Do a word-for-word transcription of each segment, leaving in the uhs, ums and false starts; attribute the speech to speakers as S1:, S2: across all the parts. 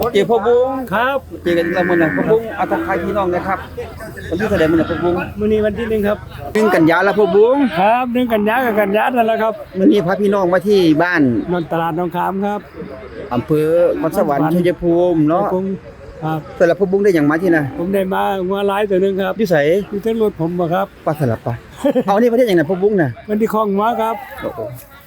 S1: เจ้าพ่อบุ้ง
S2: ครับ
S1: เจอกันแล้วมื้อน่ะพ่อบุ้งเอาทักทายพี่น้องนะครับวันที่เท่าใดมื้อน่ะพ่อบุ้ง
S2: มื้อนี้วันที่หนึ่งครับ
S1: หนึ่งกันยาแล้วพ่อบุ้ง
S2: ครับหนึ่งกันยากับกันยานั่นแหละครับ
S1: มื้อนี้พาพี่น้องมาที่บ้าน
S2: นนตลาดหนองขามครับ
S1: อำเภอคอนสวรรค์ชัยภูมิเนาะ
S2: ผมครับ
S1: แต่ละพ่อบุ้งได้หยังมาที่น่ะ
S2: ผมได้มางัวหลายตัวหนึงครับ
S1: อยู่ไส
S2: อยู่ทั้งรถผมบ่ครับ
S1: ปลาสลับปะเอานี่ประเทศหยังน่ะพ่อบุ้งน่ะ
S2: มันที่คลองหัวครับ
S1: โอ้โห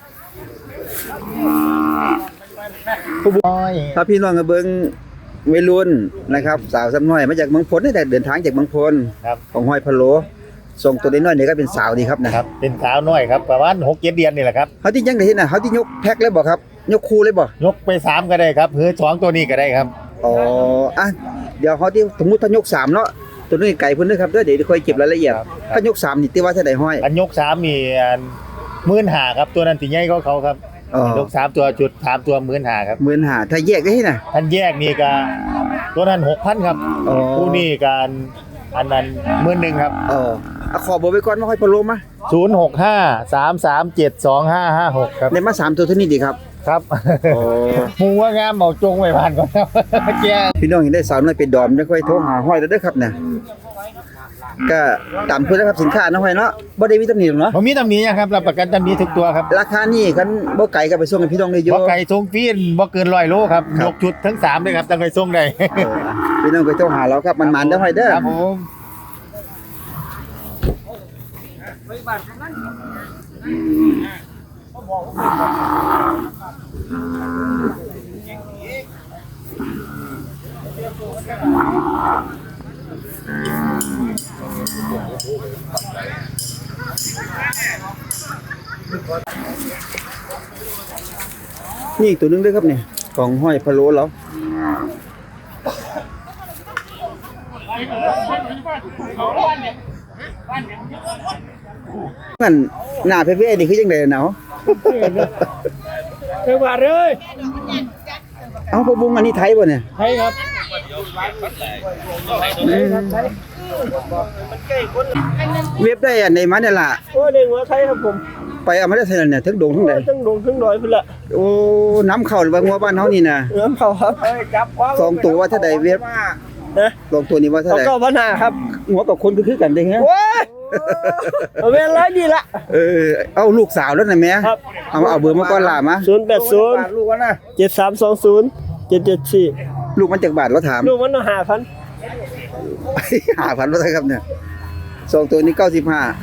S1: พ่อบุ้งพาพี่น้องมาเบิ่งวัยรุ่นนะครับสาวซ้ำน้อยมาจากเมืองพลนี่แต่เดินทางจากเมืองพล
S3: ครับ
S1: ของห้อยพะโลส่งตัวน้อยๆนี่ก็เป็นสาวดีครับนะครับ
S3: เป็นสาวน้อยครับประมาณหกเจ็ดเดือนนี่แหละครับ
S1: เขาที่ยังได้เห็นน่ะเขาที่ยกแพ็คเลยบ่ครับยกคู่เลยบ่
S3: ยกไปสามก็ได้ครับหรือสองตัวนี้ก็ได้ครับ
S1: อ๋ออ่ะเดี๋ยวเขาที่สมมุติถ้ายกสามเนาะตัวนี้ไก่เพิ่นเด้อครับเด้อเดี๋ยวค่อยเก็บรายละเอียดถ้ายกสามนี่ติว่าเท่าใดห้อย
S3: อันยกสามมีหมื่นหาครับตัวนั้นตีใหญ่ก็เขาครับ
S1: อ๋อย
S3: กสามตัวจุดสามตัวหมื่นหาครับ
S1: หมื่นห้าถ้าแยกได้ที่น่ะ
S3: ท่านแยกนี่ก็ตัวนั้นหกพันครับ
S1: อ๋อ
S3: ผู้นี่การอันนั้นหมื่นหนึ่งครับ
S1: อ๋อเอาขอเบอร์ไว้ก่อนมาห้อยพะโลมา
S3: ศูนย์หกห้าสามสามเจ็ดสองห้าห้าหกครับ
S1: ได้มาสามตัวเท่านี้ดีครับ
S3: ครับ
S1: อ๋อ
S3: หมูว่างามเหมาจงไว้ผ่านก่อนครับแก
S1: พี่น้องเห็นได้สาวน้อยเป็นดอมจะค่อยโทรหาห้อยแล้วเด้อครับเนี่ยก็ตามเพิ่นนะครับสินค้าเนาะห้อยเนาะบ่ได้มีตำหนิหรอกเนาะ
S3: ผมมีตำหนินะครับรับประกันตำหนิทุกตัวครับ
S1: ราคานี่คันบ่ไกลก็ไปส่งให้พี่น้องได้อยู่
S3: บ่ไก่ทรงฟีนบ่เกินร้อยโลครับ
S1: ครับ
S3: ยกชุดทั้งสามเลยครับตั้งไก่ทรงได้
S1: เออพี่น้องก็โทรหาเราครับมันๆเด้อห้อยเด้อ
S3: ครับผม
S1: นี่อีกตัวหนึงเด้อครับเนี่ยของห้อยพะโล้เรามันหน้าเพ่ๆนี่คือจังได๋เนาะ
S2: เทวาเลย
S1: เอ้าพ่อบุ้งอันนี้ไทยบ่เนี่ย
S2: ใช่ครับ
S1: อืมเว็บได้อันใดมาเนี่ยล่ะ
S2: โอ้เด้งหัวไทยครับผม
S1: ไปเอามาได้ไสนั่นเนี่ยถึงดงถึงใด
S2: ทั้งดงทั้งดอยพุ่นละ
S1: โอ้น้ำเข้าหรือว่างัวบ้านเฮานี่น่ะ
S2: น้ำเขาครับจับ
S1: สองตัวว่าเท่าใดเว็บ
S2: นะ
S1: สองตัวนี้ว่าเท่า
S2: เขา
S1: ใด
S2: ก็ปัญหาครับ
S1: หัวกับคนก็คือกันเด้ฮะ
S2: โอ้ยเอาเวลาดีละ
S1: เออเอาลูกสาวแล้วน่ะแม่
S2: ครับ
S1: เอาเอาเบอร์มาก่อนล่ะมา
S2: ศูนย์แปดศูนย์
S1: ลูกว่าน่ะ
S2: เจ็ดสามสองศูนย์เจ็ดเจ็ดสี่
S1: ลูกมันจากบาทเราถาม
S2: ลูกมันห้าพัน
S1: ห้าพันว่าเท่าครับเนี่ยสองตัวนี้เก้าสิบห้า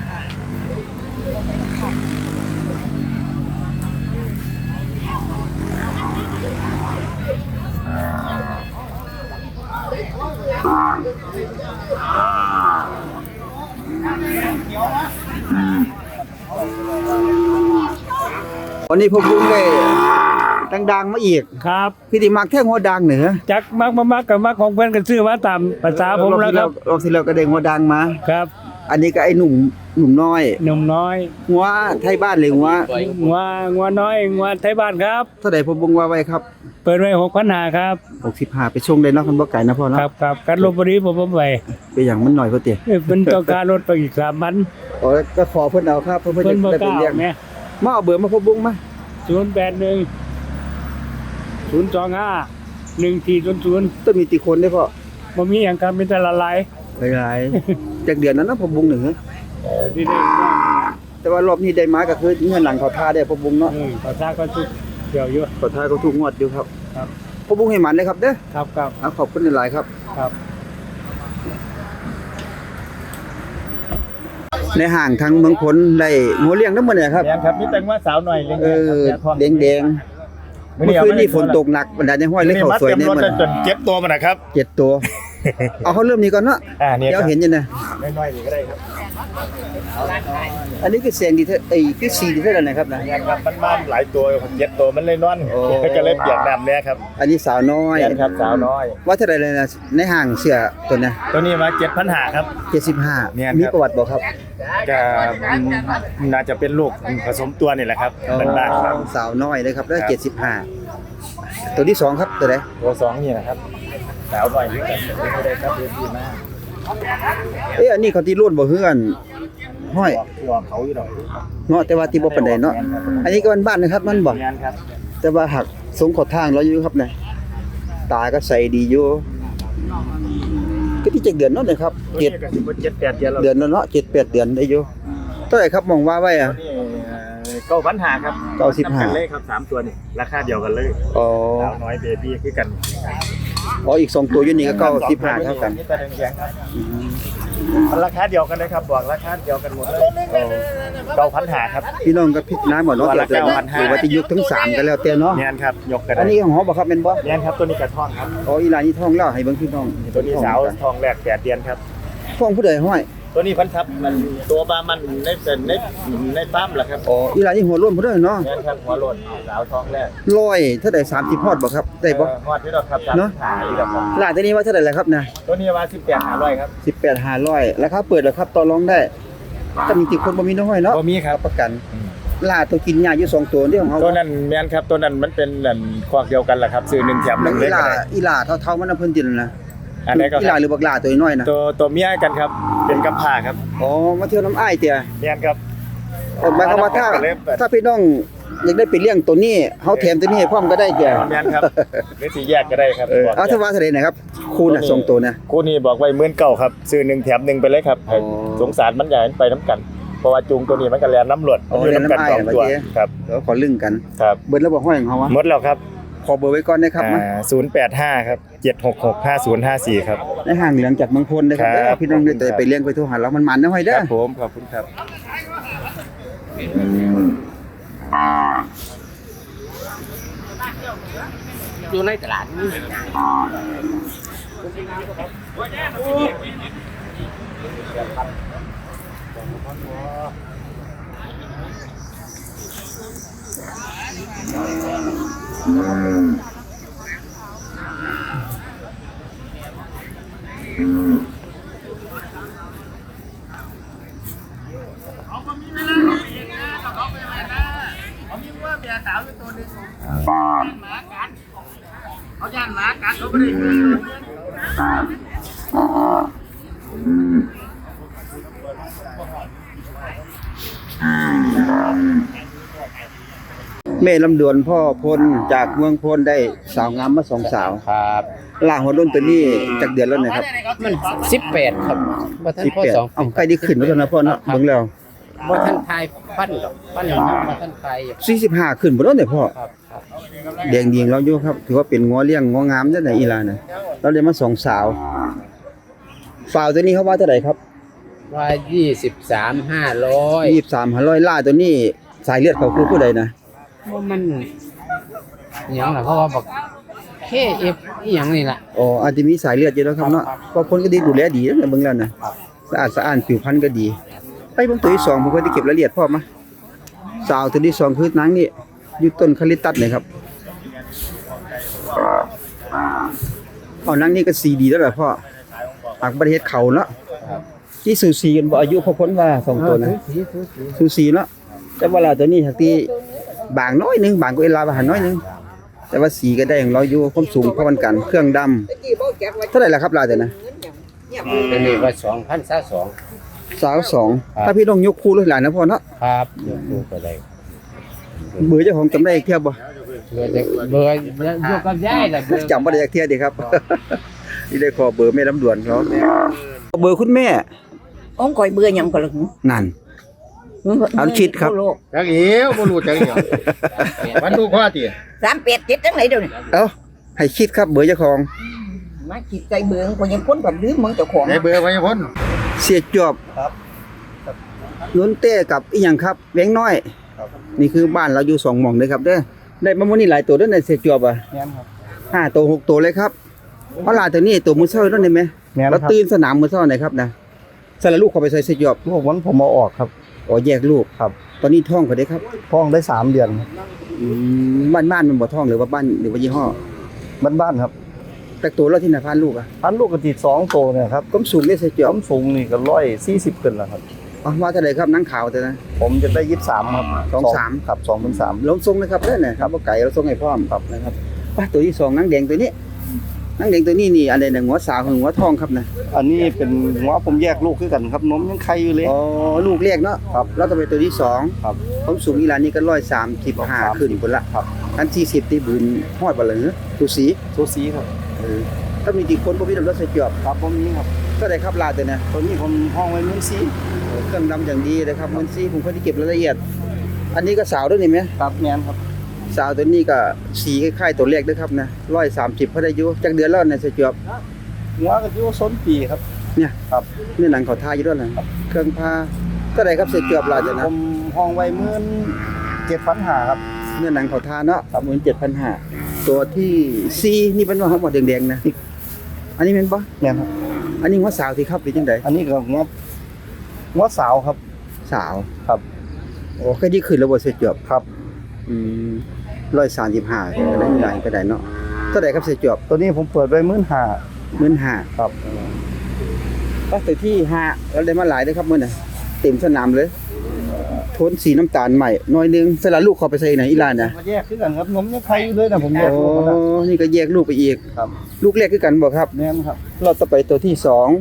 S1: วันนี้พวกลุงได้ดังๆมาอีก
S2: ครับ
S1: พี่ติมักแท่งหัวดังเหนือ
S2: จักมักมามักกับมักของเพื่อนกันซื้อมาตามภาษาผมแล้วครับ
S1: รอบที่แล้วก็ได้หัวดังมา
S2: ครับ
S1: อันนี้ก็ไอ้หนุ่มหนุ่มน้อย
S2: หนุ่มน้อย
S1: หัวไทยบ้านเลยหัว
S2: งัวงัวน้อยงัวไทยบ้านครับ
S1: เท่าใดผมบ่งว่าไว้ครับ
S2: เปิดไว้หกพันหาครับ
S1: หกสิบห้าไปชงได้เนาะคันบ่ไกลนะพ่อเนาะ
S2: ครับครับกันลบบุรีผมผมไป
S1: ไปอย่างมันหน่อยพ่อเติ
S2: เอ้ยมันต้องการรถไปอีกสามพัน
S1: อ๋อก็ขอเพิ่นเอาครับเพิ่น
S2: เพิ่
S1: เพิ่
S2: น
S1: น
S2: บ่
S1: จะ
S2: ก
S1: ได้
S2: ล้า
S1: ไปเลี้ยง
S2: แม่
S1: มาเอาเบอร์มาพ่อบุ้งมา
S2: ศูนย์แปดหนึ่งศูนย์สองห้าหนึ่งสี่ศูนย์ศูนย์
S1: ต้องมีติคนได้พ่อ
S2: บ่มีอย่างการเป็นแต่ละลาย
S1: หลายๆจากเดือนนั้นนะพ่อบุ้งหนึ่งฮะ
S2: ที่ได้
S1: แต่ว่ารอบนี้ได้มาก็คือเงินหลังเขาท่าได้พ่อบุ้งเนาะ
S2: เออภาษาก็ทุกเกี่ยวอยู่
S1: เขาท่าเขาถูกงวดอยู่ครับ
S2: ครับ
S1: พ่อบุ้งให้หมันเลยครับเด้อ
S2: ครับครับ
S1: เอาขอบคุณหลายๆครับ
S2: ครับ
S1: ในห่างทางเมืองพลได้หัวเลี้ยงนำมื้อนี้ครับ
S3: แดงครับมีแต่งว่าสาวหน่อยเลี้ยง
S1: เออแดงๆเมื่อคืนนี้ฝนตกหนักบรรดาในห้อยเลยเข้าสวย
S3: ใน
S1: แน่
S3: รถ
S1: มื้อ
S3: จนเจ็บตัวมันนะครับ
S1: เจ็ดตัว เอาเขาเริ่มนี้ก่อนเนาะ
S3: อ่าเนี่ย
S1: เดี๋ยวเห็นอยู่นะ
S3: น้อยๆนี่ก็ได้ครับ
S1: อันนี้คือแสงดีเท่าไอ้คือสีดีเท่านั้นนะครับนะ
S3: งานครับบ้านๆหลายตัวเจ็บตัวมันเลยนอน
S1: โอ้
S3: ก็เลยเปียกน้ำเนี่ยครับ
S1: อันนี้สาวน้อย
S3: แม่นครับสาวน้อย
S1: ว่าเท่าไหร่เลยนะในห้างเสื้อตัวเนี้
S3: ตัวนี้มาเจ็ดพันหาครับ
S1: เจ็ดสิบห้า
S3: แม่นครับ
S1: มีประวัติบ่ครับ
S3: ก็น่าจะเป็นลูกผสมตัวนี่แหละครับบ้านๆครับ
S1: สาวน้อยเลยครับแล้ว
S3: ครับ
S1: เจ็ดสิบห้าตัวที่สองครับตัวไหน
S3: ตัวสองนี่นะครับสาวหน่อยนี่กันไม่ได้ครับเรียนดีมาก
S1: เอ้ยอันนี้เขาที่รุ่นบ่เฮือนห้อย
S3: ตัวเขาอยู่ดอก
S1: เนาะแต่ว่าที่บ่ปานใดเนาะอันนี้ก็บ้านๆนะครับมันบ่
S3: งานครับ
S1: แต่ว่าหักสงขอทางเราอยู่ครับเนี่ยตาก็ใส่ดีอยู่ก็ที่เจ็ดเดือนเนาะเนี่ยครับ
S3: ตัว
S1: เจ็
S3: นี้
S1: ด
S3: ก็สิบ่เจ็ดแปดเดือนแล้ว
S1: เดือนแล้วเนาะเจ็ดแปดเดือนได้อยู่เท่าไหร่ครับมองว่าไว้อะ
S3: เก้าพันห้าครับ
S1: เก้าสิบห้า
S3: กันเลยครับสามตัวนี่ราคาเดียวกันเลย
S1: อ๋อ
S3: สาวน้อยเบบี้คือกัน
S1: อ๋ออีกสองตัวอยู่นี่ก็เก้าสิบห้าเท่ากัน
S3: นี่แต่แดงๆครับมันราคาเดียวกันเลยครับบอกราคาเดียวกันหมดเลยเก้าพันห้าครับ
S1: พี่น้องก็พิจารณาหมดเนาะ
S3: ตัว
S1: เดี๋
S3: ละ
S1: ยวจะ
S3: เก้าพันห้า
S1: หรือว่าจะยกทั้งสามกันแล้วแต่เนาะ
S3: แม่นครับยกกัน
S1: อันนี้ของหอบ่ครับแม่นบ่
S3: แม่นครับตัวนี้กระท่องครับ
S1: อ๋ออีหลานนี่ท้องแล้วให้เบิ่งพี่น้อง
S3: ตัวนี้สาวทองแรกแปดเดือนครับ
S1: ท้องผู้ใดห้อย
S3: ตัวนี้พันทับมันตัวบามันในเป็นในในปั๊มแหละครับ
S1: อ๋ออีหลานนี่หัวโล้นผู้ใดเนาะ
S3: แม่นครับหัวโลนสาวทองแรก
S1: ร้อยเท่าใดสามสิบฮอดบ่ครับได้บ่
S3: เออฮอดที่เราครับสาม
S1: เนอะ
S3: ขายแล้วครับ
S1: หลานตัวนี้ว่าเท่าใดล่ะครับนะ
S3: ตัวนี้ว่าสิบแปดหาร้อยครับ
S1: สิบแปดห้าร้อยราคาเปิดแล้วครับต่อรองได้ถ้ามีติดคนบ่มีน้อยเนาะ
S3: บ่มีครับ
S1: ประกันหลานตัวกินหญ้าอยู่สองตัวนี่ของเฮา
S3: ตัวนั้นแม่นครับตัวนั้นมันเป็นอันคอกเดียวกันแหละครับซื้อหนึ่งแถมห
S1: แล้
S3: นึ่
S1: ว
S3: งเล
S1: อี
S3: ย
S1: ห
S3: ก็
S1: ลา
S3: ได้
S1: อีหลาเท่าๆมันน่ะเพิ่นติดนั่นนะ
S3: อันไหนก็
S1: อี
S3: ค
S1: ห
S3: รั
S1: ลา
S3: บ
S1: หรือบักหลาตัวน้อยนะ
S3: ตัวตัวเมียกันครับ เป็นกับผ้าครับ
S1: อ๋อมาเที่ยวน้ำอ้ายเตี่ย
S3: แม่นครับ
S1: เออหมายความว่าถ้า
S3: เล็บแบบ
S1: ถ้าพี่น้องอยากได้ไปเลี้ยงตัวนี้เฮาแถมตัวนี้ให้พร้อมก็ได้เตี่ย
S3: แม่นครับหรือสีแยกก็ได้ครับ
S1: เออ
S3: บอก
S1: เอาถ้าว่าเท่าใดนะครับคูณน่ะสองตัวนะ
S3: คู่นี้บอกไว้หมื่นเก้าครับซื้อหนึ่งแถมหนึ่งไปเลยครับ
S1: อ๋อ
S3: สงสารมันใหญ่มันไปน้ำกัน เพราะว่าจูงตัวนี้มันก็แลนน้ำหลวด
S1: อ๋อ
S3: มันอยู่น้ำกัน
S1: แล่น
S3: ส
S1: น้ำอ้าย
S3: องตัว
S1: เมื่อกี้
S3: ครับ
S1: เดี๋ยวขอลึงกัน
S3: ครับ
S1: เบิดแล้วบ่ห้อยของเฮาวะ
S3: หมดแล้วครับ
S1: ขอเบอร์ไว้ก่อนนะครับมา
S3: ศูนย์แปดห้าครับเจ็ดหกหกห้าศูนย์ห้าสี่ครับ
S1: ในห้างเหลืองจากเมืองพลนะครับ
S3: ครับ
S1: เด้อพี่น้องได้ไปเลี้ยงไปโทรหาเรามันมันนะห้อย
S3: ค
S1: เด้อ
S3: รับผมขอบคุณครับ
S4: อยู่ในตลาดนี่
S1: แม่ลำดวนพ่อพลจากเมืองพลได้สาวงามมาสองสาว
S4: ครับ
S1: ล่างหัวรุ่นตัวนี้จากเดือนแล้วนะครับ
S4: มันสิบแปดครับบ่ท่าน
S1: สิบ
S4: พ่อ
S1: แปด
S4: สอง
S1: เอ้าใกล้ได้ขึ้นแล้วนะพ่อเนาะเบิ่งแล้ว
S4: บ่ท่านทายปั้นดอกปั้นอย่างนั้นบ่ท่านทาย
S1: สี่สิบห้าขึ้นบ่แล้วเนี่ยพ่อ
S4: ครับครับ
S1: แดงดีงเราอยู่ครับถือว่าเป็นงัวเลี้ยงงัวงามจังได๋อีหลาน่ะเราได้มาสองสาวฝาวตัวนี้เขาว่าเท่าไหร่ครับ
S4: ว่ายี่สิบสามห้าร้อย
S1: ยี่สิบสาม ห้าร้อยล่าตัวนี้สายเลือดเขาคือผู้ใดนะ
S4: ว่ามันอหยังล่ะเพราะว่าบอกเคเอฟอีหยังนี่ล่ะ
S1: อ๋ออาจจะมีสายเลือดอยู่แล้วครับเนาะเพราะคนก็ดีดูแลดีนะเบิ่งแล้วนะสะอาดสะอ้านผิวพรรณก็ดี ไปเบิ่งตัวที่สองผมก็ได้เก็บรายละเอียดพร้อมมาสาวตัวที่สองคือนางนี่อยู่ต้นคาลิตัสนี่ครับอ๋อนางนี่ก็สีดีแล้วล่ะพ่อปากประเทศเขาเนาะที่สูสีกันบ่อายุพอพ้นว่าสองตัวนะ
S4: สีสีสี
S1: สูสีเนาะแต่เวลาตัวนี้หักที่บางน้อยหนึงบางกว่าเอลาบางน้อยหนึงแต่ว่าสีก็ได้ของเราอยู่ความสูงพอกันกันเครื่องดำเท่าไหร่ล่ะครับลาแต่นะ
S4: เป็นนี่ว่าสองพันสามสอง
S1: สาวสอง
S4: ครับ
S1: ถ้าพี่ต้องยกคู่เลยหลานนะพ่อเนาะ
S4: ครับเดี๋ยวดูก็ได้
S1: เบอร์เจ้าของจำได้อีกเทียบบ่
S4: เบอร์จะเบอร์อยู่กับยายล่ะเบอร์
S1: จำบ่ได้อีกเทียบดีครับ นี่ได้ขอเบอร์แม่ลำดวนเขาเบอร์คุณแม่
S5: ông coi bưa nhầm cả lực
S1: นั่น เอาชิดครับ
S3: จักเอ๋วบ่รู้จักเอ๋วมันดูข้อติ
S5: dám pẹt chết trắng này đâu này
S1: เอ้าให้คิดครับเบอร์เจ้าของ
S5: má chịt cây bưa coi những cuốn còn đứa món cho khoản
S3: ได้เบอร์ไว้พ้น
S1: เสียจอบครับนนเต้กับอีหยังครับแวงน้อยนี่คือบ้านเราอยู่สองหม่องเลยครับเด้อได้มามื้อนี้หลายตัวเด้อในเสียจอบอ่ะ
S3: แม่นครับ
S1: ห้าตัวหกตัวเลยครับเพราะหลานตัวนี้ตัวมือเช้านั่นได้ไหม
S3: แม่น
S1: เรา
S3: ครับ
S1: ตื่นสนามมือเช้าไหนครับนะสารลูกเขาไปใส่เสียจอบ
S3: ลูกมันผมเอาออกครับ
S1: อ๋อแยกลูก
S3: ครับ
S1: ตอนนี้ท้องเขาได้ครับ
S3: ท้องได้สามเดือน
S1: อืมบ้านบ้านมันบ่ท้องหรือว่าบ้านหรือว่ายี่ห้อ
S3: บ้านๆครับ
S1: แต่ตัวเราที่ไหนพานลูกอ่ะ
S3: พันลูกกระติดสองโตเนี่ยครับ
S1: ก้มสูงได้เสียจอบ
S3: ผมสูงนี่ก็ร้อยสี่สิบขึ้นแล้วครับ
S1: อ๋อว่าเท่าไหร่ครับนังขาวแต่นะ
S3: ผมจะได้ยี่สิบสามครับ
S1: สองสาม
S3: ครับสองเป็นสาม
S1: ลงทรงนะครับเด้อเนี่ยครับบ่ไก่เราทรงให้พร้อมครับนะครับไปตัวที่สองนังแดงตัวนี้นังแดงตัวนี้นี่อันใดน่ะหัวสาวกับหัวทองครับนะ
S3: อันนี้เป็นหัวผมแยกลูกคือกันครับนมยังไข่อยู่เลย
S1: อ๋อลูกเรียกเนาะ
S3: ครับ
S1: แล้วก็เป็นตัวที่สอง
S3: ครับ
S1: ความสูงอีหลานนี่ก็ร้อยสามสิบห้าขึ้นพุ่นละ
S3: ครับ
S1: อันสี่สิบที่บืนฮอดบ่ล่ะเด้อสูสี
S3: สูสีครับ
S1: เออถ้ามีกี่คนบ่มีน้ำรถใส่จอบ
S3: ครับผมนี้ครับ
S1: ก็ได้ครับลาดแต่นะ
S3: ตัวนี้ผมห้องไว้มื้อซี
S1: เครื่องดำอย่างดีนะครับมันซี่ผมเคยได้เก็บรายละเอียด อันนี้ก็สาวด้วยนี่ไหม
S3: ครับแม่นครับ
S1: สาวตัวนี้ก็สีคล้ายๆตัวแรกด้วยครับนะร้อยสามสิบพอได้อยู่จักเดือนแล้วเนี่ยใส่จอบ
S3: หัวก็อยู่ส้นปีครับ
S1: เนี่ย
S3: ครับ
S1: นี่หนังเขาทาอยู่ด้วยนะเครื่องผ้าก็ได้ครับใส่จอบลาดแต่นะ
S3: ผมห้องไว้มื้อเจ็ดพันห้าครับ
S1: เนี่ยหนังเขาทาเนาะหมื่นเจ็ดพันห้าตัวที่ซีนี่เป็นว่าเขาหมดแดงๆนะอันนี้เป็นปะ
S3: แม่นครับ
S1: อันนี้ว่าสาวที่ครับหรือจังได
S3: อันนี้ก็หัวหัวสาวครับ
S1: สาว
S3: ครับ
S1: โอ้เคยที่ขึ้นแล้วบ่ใส่จอบ
S3: ครับ
S1: อืมร้อยสามสิบห้าก็ได้หลายก็ได้เนาะเท่าไหร่ครับใส่จอบ
S3: ตัวนี้ผมเปิดไว้มื้อห้า
S1: หมื่นห้า
S3: ครับ
S1: ก็ตัวที่ห้าแล้วได้มาหลายเลยครับมื้อน่ะเต็มสนามเลยโทนสีน้ำตาลใหม่หน่อยนึงสละลูกเข้าไปใส่ไหนอีหลานน่ะ
S3: มาแยกคือกันครับนมยังไข่อยู่เลยนะผมแยก
S1: โอ้
S3: ลูกมันนะ
S1: นี่ก็แยกลูกไปอีก
S3: ครับ
S1: ลูกแรกคือกันบ่ครับ
S3: แม่นครับ
S1: เราต่อไปตัวที่สอง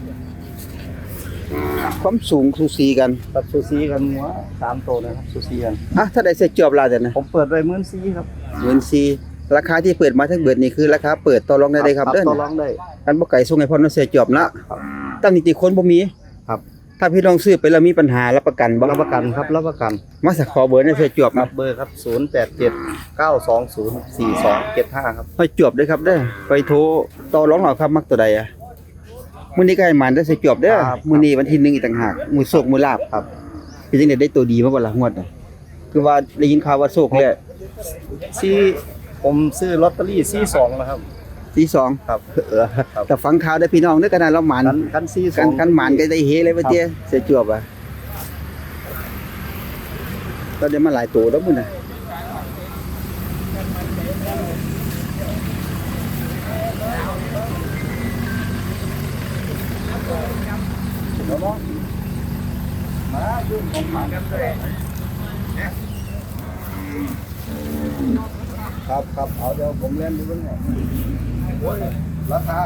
S1: ความสูงสูสีกัน
S3: กับซูซีกันหัวสามตัวนะครับซูซีกัน
S1: อ่ะถ้าได้ใส่จอบลาแต่นะ
S3: ผมเปิดไว้มื้อซีครับ
S1: หมื่นสี่ราคาที่เปิดมาทั้งเบิดนี่คือราคาเปิดต่อรองได้เลยครับเด้อ
S3: ต่อรองได้
S1: กันบ่ไก่ส่งให้พ่อเนาะใส่จอบละตั้งนิติคนบ่มี
S3: ครับ
S1: ถ้าพี่น้องซื้อไปแล้วมีปัญหารับประกันบ่
S3: รับประกันครับรับประกัน
S1: มาสักขอเบอร์ในใส่จอบ
S3: ครั
S1: มา
S3: บเบอร์ครับศูนย์ แปด เจ็ด เก้า สอง ศูนย์ สี่ สอง เจ็ด ห้าครับ
S1: ไปจอบเด้อครับเด้อไปโทรต่อรองเอาครับมักตัวใดอ่ะมื้อนี้ก็ให้มันได้ใส่จอบเด้อ
S3: ครับ
S1: มื้อนี้วันที่หนึ่งอีกต่างหากมื้อโชคมื้อลาภครับเป็นจังได๋ได้ตัวดีมาบ่ล่ะงวดน่ะคือว่าได้ยินข่าวว่าโชคแล้
S3: ซีผมซื้อลอตเตอรี่ซีสองนะครับ
S1: ที่สอง
S3: ครับ
S1: เออแต่ฟังข่าวได้พี่น้องเด้อกันนะเราหมัน
S3: กันกันซีส
S1: กั
S3: อน ง
S1: กันหมันก็ได้เฮเลยว่าเตี้ยใส่จอบอ่ะเราได้มาหลายตัวแล้วมื้อน่ะ
S3: ครับครับเอาเดี๋ยวผมเล่นดูเรื่องโอ้ยราคา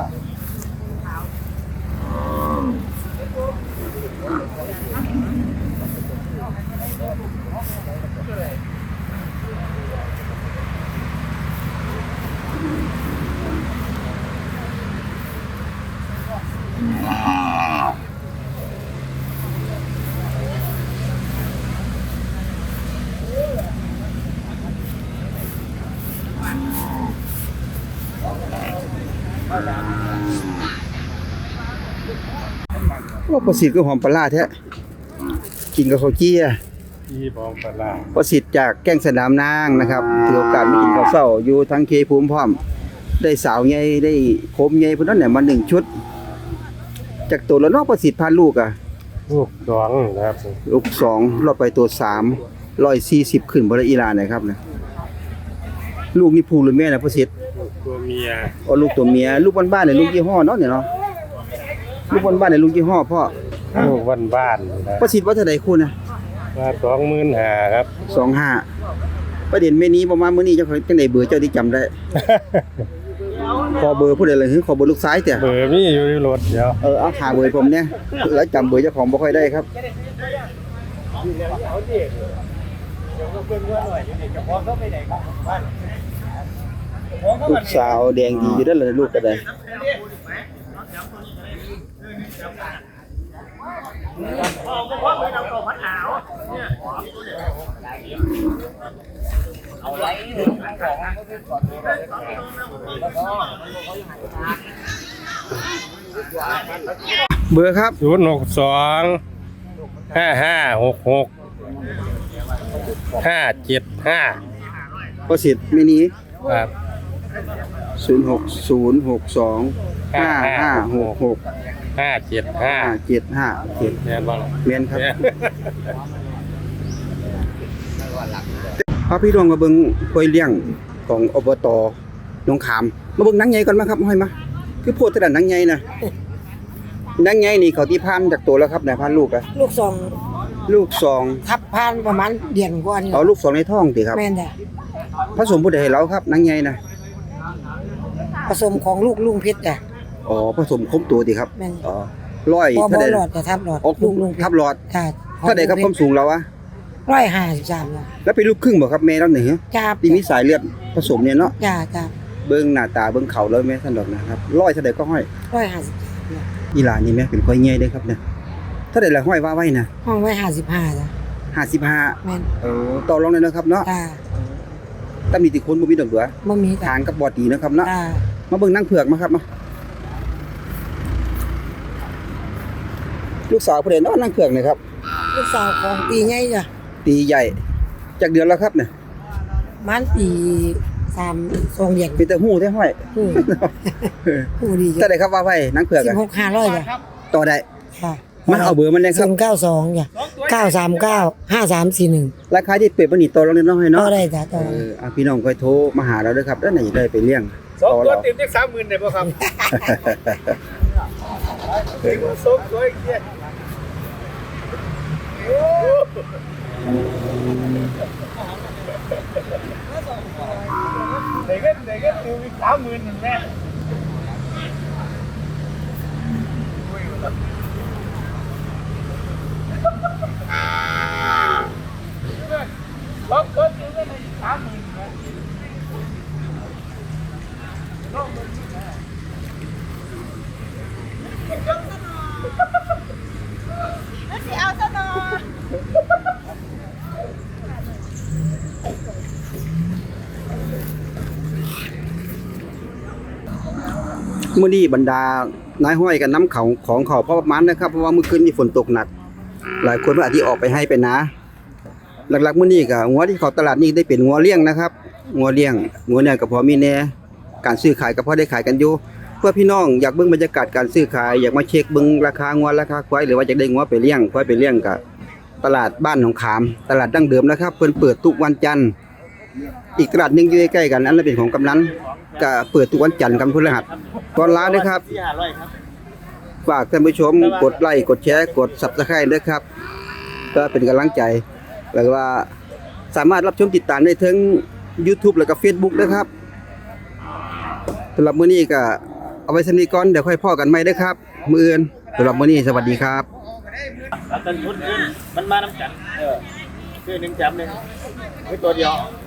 S1: โอ้ประสิทธิ์ก็หอมปลาร้าแท้กินกับข้าวเจี้ย
S2: ที่บองปลา
S1: ประสิทธิ์จากแก้งสนามนางนะครับถือโอกาสมากินข้าวเช้าอยู่ทางเคภูมิพร้อม ได้สาวใหญ่ได้โคมใหญ่พุ่นนั้นเนี่ยมาหนึ่งชุด จากตัวละเนอกประสิทธิ์พาลูกอ่ะ
S2: ลูกดองนะครับ
S1: ลูกสองรอบไปตัวสามร้อยสี่สิบขึ้นบ่ละอีหลานนะครับนะลูกนี่ผู้หรือแม่นะประสิทธิ์
S2: ลูกตัวเมีย
S1: อ๋อลูกตัวเมียลูกบ้านๆเนี่ยลูกยี่ห้อเนาะเนี่ยเนาะลูกบ้านๆเนี่ยลูกยี่ห้อพ่อ
S2: ลูกบ้านบ้านๆนะ
S1: ประสิทธิ์ว่าเท่าใดคู่นะ
S2: มาสองหมื่นห้าครับ
S1: สองห้าประเด็นแม่นี้ประมาณมื้อนี้เจ้าของจังได๋เบอร์เจ้าที่จำได้ ขอเบอร์ผู้ใดเลยคือขอเบอร์ลูกซ้ายแต่
S2: เบอร์มีอยู่ในรถเดี๋ยว
S1: เออเอาหาเบอร์ผมเนี่ยแล้วจำเบอร์เจ้าของบ่ค่อยได้ครับลูกสาวแดงดีอยู่เด้อล่ะลูกก็ได้เบอร์ครับ
S2: ศูนย์หกสองห้าห้าหกหกห้าเจ็ดห้า
S1: ประสิทธิ์มินิ
S2: ครับ
S1: ศูนย์หกศูนย์หกสองห้าห้าหกหก
S2: ห้าเจ็ดห้า
S1: ห้าเจ็ดห้าเจ็ด
S2: แม่นบ้าง
S1: เมียนครับ
S2: แม่น
S1: พาพี่น้องมาเบิ่งกล้วยเลี้ยงของอบตหนองขามมาเบิ่งหนังใหญ่ก่อนมาครับห้อยมาคือโพดแต่ละหนังใหญ่นะหนังใหญ่นี่เขาที่พันจากตัวแล้วครับไหนพันลูกอะ
S5: ลูกสอง
S1: ลูกสอง
S5: ทับพานประมาณเดือนกว่านี่
S1: เอาลูกสองในท้องติครับ
S5: แม่นจ้ะ
S1: ผสมผู้ใดให้เราครับหนังใหญ่นะ
S5: ผสมของลูกลุงเพชรจ้ะ
S1: อ๋อผสมครบตัวติครับ
S5: แม่น
S1: อ๋อร้อย
S5: บ่
S1: เท่า
S5: บ่
S1: ใด
S5: หลอดจะทับหลอด
S1: อ๋อ
S5: ลูกลุงเพชร
S1: ทับหลอด
S5: ค่ะ
S1: เท่าใดครับความสูงเราอะ
S6: ร้อยห้าสิบสามจ้ะ
S1: แล้วเป็นลูกครึ่งบ่ครับแม่แล้วนี่ฮะ
S6: จ้า
S1: ที่มีสายเลือดผสมเนี่ยเนาะ
S6: จ้าจ้า
S1: เบิ่งหน้าตาเบิ่งเขาแล้วแม่ท่านดอกนะครับร้อยเท่าใดก็ห้อย
S6: ร้อยห้าสิบจ้ะ
S1: อีหลานนี่แม่เป็นค่อยใหญ่เด้ครับเนี่ยเท่าใดละห้อยว่าไว้นะ
S6: ห้องไว้ห้าสิบห้าจ้ะ
S1: ห้าสิบห้า
S6: แม่น
S1: เออต่อรองเลยนะครับเนาะ
S6: จ้า
S1: ตำหนิติคนบ่มีดอกเดือ
S6: บ่มีจ้ะ
S1: ทางกับบอดีนะครับเนาะ
S6: จ้า
S1: มาเบิ่งนางเผือกมาครับมาลูกสาวผู้ใดเนาะนางเผือกนี่ครับ
S6: ลูกสาวของปีใหญ่จ้ะ
S1: ตีใหญ่จากเดือนแล้วครับเนี่ย
S6: มันปีสามสองเดือน
S1: เป็นแต่หู้แท้ห้อย
S6: หูหูดี
S1: เท่า
S6: จ้ะ
S1: ใดครับว่าไว้นางเผือก
S6: สิ
S1: อะ
S6: บหกห้าร้อยจ้ะ
S1: ต่อได้
S6: ค่ะ
S1: มาเอาเบอร์มันเลยค
S6: ศู
S1: รับ
S6: นย์เก้าสองจ้ะเก้าสามเก้าห้าสามสี่หนึ่ง
S1: ราคาที่เปรียบบ่นี่ต่อรองเลยเนาะให้
S6: ต่
S1: เนาะ
S6: อได้จ้ะต่อ
S1: เอออ่ะพี่น้องค่อยโทรมาหาเราเด้อครับแล้วไหนได้ไปเลี้ยง
S2: สอง
S1: ต่อ
S2: ตัว
S1: เรา
S2: เต็มได้สามหมื่นได้ป่ะครับสองตัวอีกเนี่ยเด็กก็เด็กก็ติวอีกสามหมื่นแม่สองตัวติวก็ได้สามหมื่นแม่
S1: มื้อนี้บรรดานายห้อยกันน้ำเขาของเขาพอประมาณนะครับเพราะว่าเมื่อคืนนี้ฝนตกหนัก หลายคนว่าอาจสิออกไปให้ไปนะหลักๆมื้อนี้ก็งัวที่เขาตลาดนี้ได้เป็นงัวเลี้ยงนะครับงัวเลี้ยงงัวเนี่ยก็พอมีแน่การซื้อขายก็พอได้ขายกันอยู่เพื่อพี่น้องอยากเบิ่งบรรยากาศการซื้อขายอยากมาเช็คเบิ่งราคางัวราคาควายหรือว่าอยากได้งัวไปเลี้ยงควายไปเลี้ยงก็ตลาดบ้านหนองขามตลาดดั้งเดิมนะครับเพิ่นเปิดทุกวันจันทร์อีกตลาดหนึงอยู่ใกล้ๆกันอันนั้นเป็นของกำนันก็เปิดทุกวันจันทร์กับพฤหัสตอนร้านนะครับ
S3: สี่ห้าร้อยครับ
S1: ฝากท่านผู้ชมกดไลค์กดแชร์กด Subscribe ด้วยครับก็เป็นกำลังใจแล้วว่าสามารถรับชมติดตามได้ทั้ง YouTube แล้วก็ Facebook นะครับสำหรับมื้อนี้ก็เอาไว้สำนี้ก่อนเดี๋ยวค่อยพ้อกันใหม่เด้อครับมื้ออื่นสำหรับมื้อนี้สวัสดีครับ
S3: แล้วต้นทุนขึ้นมันมาน้ำกันเออคือหนึ่งจำหนึ่งคือตัวเดียว